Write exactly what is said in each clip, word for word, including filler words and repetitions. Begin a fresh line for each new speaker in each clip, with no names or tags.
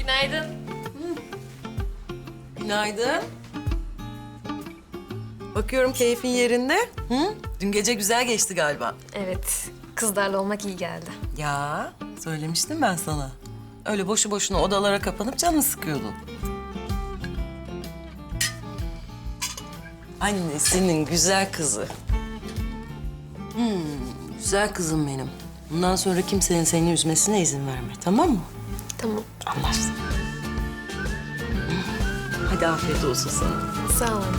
Günaydın.
Günaydın. Bakıyorum keyfin yerinde. Hı? Dün gece güzel geçti galiba.
Evet, kızlarla olmak iyi geldi.
Ya söylemiştim ben sana. Öyle boşu boşuna odalara kapanıp canını sıkıyordun. Annesinin güzel kızı. Hmm, güzel kızım benim. Bundan sonra kimsenin seni üzmesine izin verme, tamam mı?
Tamam.
Anlaştık. Hadi afiyet olsun sana.
Sağ olun.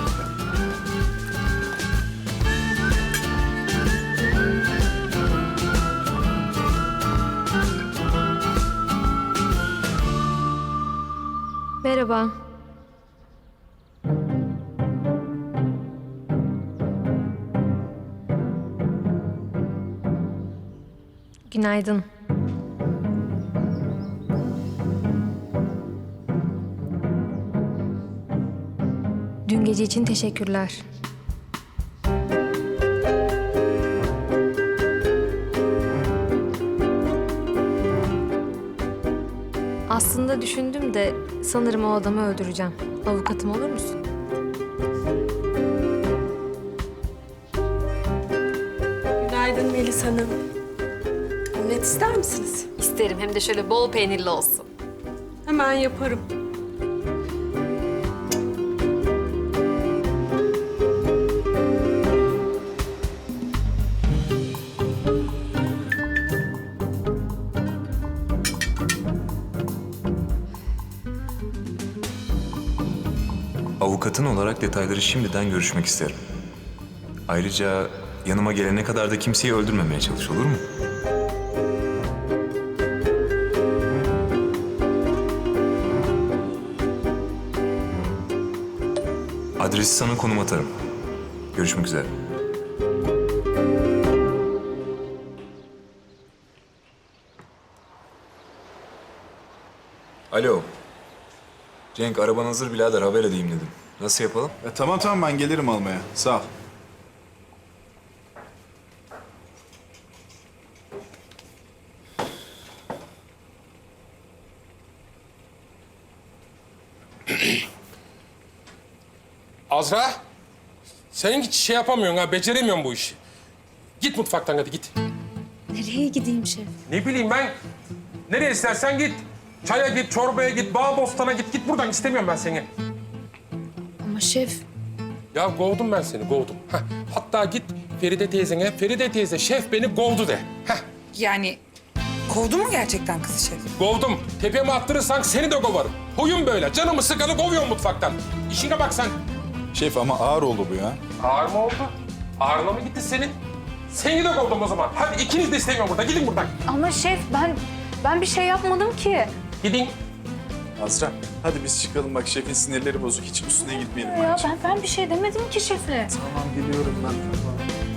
Merhaba. Günaydın. Dün gece için teşekkürler. Aslında düşündüm de sanırım o adamı öldüreceğim. Avukatım olur musun?
Günaydın Melis Hanım. Omlet ister misiniz?
İsterim, hem de şöyle bol peynirli olsun.
Hemen yaparım.
Avukatın olarak detayları şimdiden görüşmek isterim. Ayrıca yanıma gelene kadar da kimseyi öldürmemeye çalış, olur mu? Adresi sana konum atarım. Görüşmek üzere. Alo. Cenk, araban hazır birader, haber edeyim dedim. Nasıl yapalım?
E, tamam tamam ben gelirim almaya. Sağ ol.
Azra, sen hiç şey yapamıyorsun ha, beceremiyorsun bu işi. Git mutfaktan hadi git.
Nereye gideyim şef?
Ne bileyim ben, nereye istersen git. Çaya git, çorbaya git, bağ bostana git. Git buradan, istemiyorum ben seni.
Ama şef,
Ya kovdum ben seni, kovdum. Heh, hatta git Feride teyzene, Feride teyze şef beni kovdu de. Heh,
Yani kovdu mu gerçekten kızı şef?
kovdum. Tepeme attırırsan seni de kovarım. Huyum böyle, canımı sıkanı kovuyorum mutfaktan. İşine bak sen.
Şef ama ağır oldu bu ya.
Ağır mı oldu? Ağrına mı gitti senin? Seni de kovdum o zaman. Hadi ikiniz de istemiyorum burada, gidin buradan.
ama şef ben ben bir şey yapmadım ki.
Gidin.
Azra hadi biz çıkalım bak şefin sinirleri bozuk. Hiç üstüne gitmeyelim
Ya
bence.
ben ben bir şey demedim ki şefe.
Tamam biliyorum ben tamam.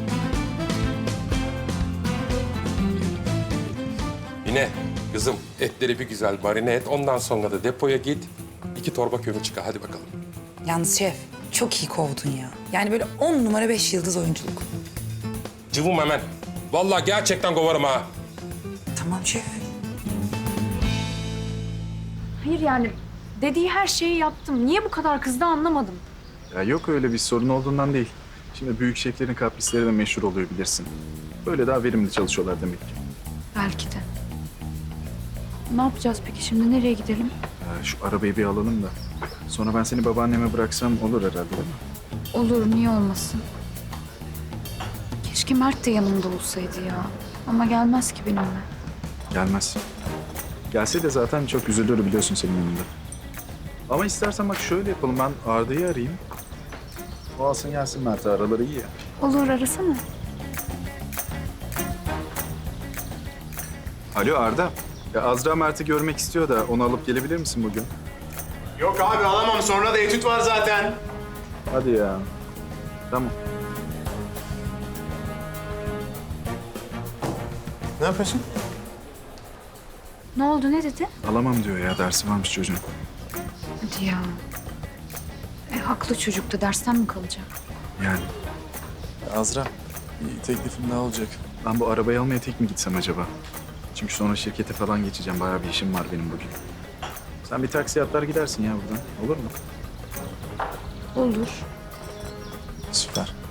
Yine kızım etleri bir güzel marine et. Ondan sonra da depoya git. İki torba kömür çıkar. Hadi bakalım.
Yalnız şef çok iyi kovdun ya. Yani böyle on numara beş yıldız oyunculuk.
Cıvım hemen. Vallahi gerçekten kovarım ha.
Tamam şef.
Hayır yani dediği her şeyi yaptım. Niye bu kadar kızdı anlamadım.
Ya yok öyle bir sorun olduğundan değil. Şimdi büyük şeflerin kaprisleri de meşhur oluyor bilirsin. Böyle daha verimli çalışıyorlar demek ki.
Belki de. Ne yapacağız peki şimdi? Nereye gidelim?
Ya şu arabayı bir alalım da. Sonra ben seni babaanneme bıraksam olur herhalde değil mi?
Olur, niye olmasın? Keşke Mert de yanımda olsaydı ya. Ama gelmez ki benimle.
Gelmez. Gelse de zaten çok üzülür biliyorsun senin yanında. Ama istersen bak şöyle yapalım. Ben Arda'yı arayayım. O alsın gelsin Mert'e. Araları iyi ya.
Olur, arasana.
Alo Arda. Ya Azra Mert'i görmek istiyor da onu alıp gelebilir misin bugün?
Yok abi alamam. Sonra da etüt var zaten.
Hadi ya. Tamam.
Ne yapıyorsun?
Ne oldu, ne dedi?
Alamam diyor ya. Dersi varmış çocuğun.
Hadi ya. E, haklı çocuk da dersten mi kalacak?
Yani. Azra, bir teklifim daha olacak. Ben bu arabayı almaya tek mi gitsem acaba? Çünkü sonra şirkete falan geçeceğim. Bayağı bir işim var benim bugün. Sen bir taksi atlar gidersin ya buradan. Olur mu?
Olur.
Süper.